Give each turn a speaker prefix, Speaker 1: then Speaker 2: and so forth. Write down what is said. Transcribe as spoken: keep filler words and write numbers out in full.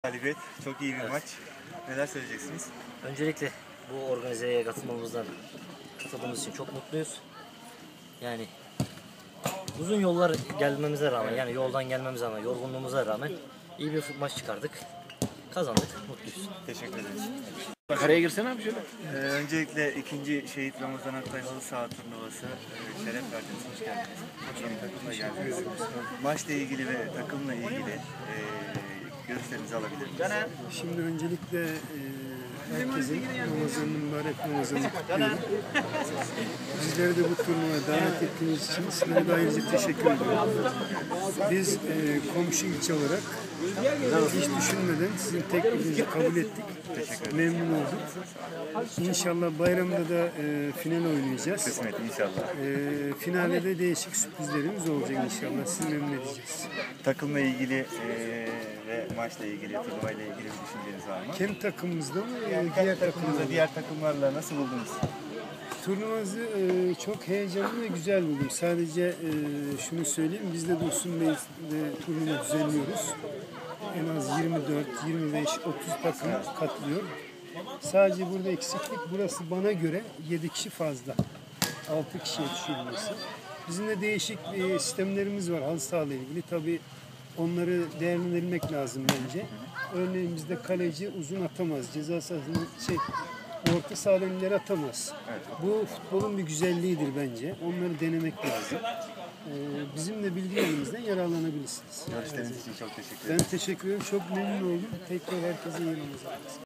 Speaker 1: Galibiyet, çok iyi bir
Speaker 2: Evet.
Speaker 1: maç. Neler söyleyeceksiniz?
Speaker 2: Öncelikle bu organizeye katılmamızdan katıldığımız için çok mutluyuz. Yani uzun yollar gelmemize rağmen, yani yoldan gelmemize rağmen, yorgunluğumuza rağmen iyi bir maç çıkardık. Kazandık, mutluyuz.
Speaker 1: Teşekkür ederiz.
Speaker 3: Araya girsene abi şöyle.
Speaker 1: Ee, öncelikle ikinci Şehit Ramazan Aktay Halı Saha turnuvası e, şeref verdiniz, hoş geldiniz. Yeni takımla geldiniz. Maçla ilgili ve takımla ilgili e, görüşlerinizi alabilir miyiz?
Speaker 4: Şimdi öncelikle e, herkesin Ramazan'ın mübarek Ramazan'ını kutluyorum. Bizleri de bu turnuvaya davet ettiğiniz için sizlere de ayrıca teşekkür ediyorum. Biz e, komşu ilçe olarak hiç düşünmeden sizin teklifinizi kabul ettik. Memnun olduk. İnşallah bayramda da e, final oynayacağız.
Speaker 1: Kısmet inşallah.
Speaker 4: E, finalde de değişik sürprizlerimiz olacak inşallah. Sizi memnun edeceğiz.
Speaker 1: Takımla ilgili e, ve maçla ilgili, turnuvayla ilgili bir düşünceniz var mı?
Speaker 4: Kendi takımımızda mı? E,
Speaker 1: Yani
Speaker 4: diğer
Speaker 1: kendi takımınızda,
Speaker 4: takımlarda.
Speaker 1: diğer takımlarla nasıl buldunuz?
Speaker 4: Turnuvamızı e, çok heyecanlı ve güzel buldum. Sadece e, şunu söyleyeyim, biz de Dursun Bey'de turnuva düzenliyoruz. En az yirmi dört, yirmi beş, otuz takım katılıyor. Sadece burada eksiklik, burası bana göre yedi kişi fazla. altı kişiye düşüyor burası. Bizim de değişik e, sistemlerimiz var halı sahayla ilgili. Tabii onları değerlendirmek lazım bence. Örneğin bizde kaleci uzun atamaz. Ceza sahasının şey, orta sahadan ileri atamaz. Bu futbolun bir güzelliğidir bence. Onları denemek lazım. Ee, bizim de bilgilerimizden yararlanabilirsiniz.
Speaker 1: Görüşleriniz için çok teşekkür
Speaker 4: Ben
Speaker 1: ederim.
Speaker 4: teşekkür ederim. Çok memnun oldum. Tekrar herkese iyi Ramazanlar.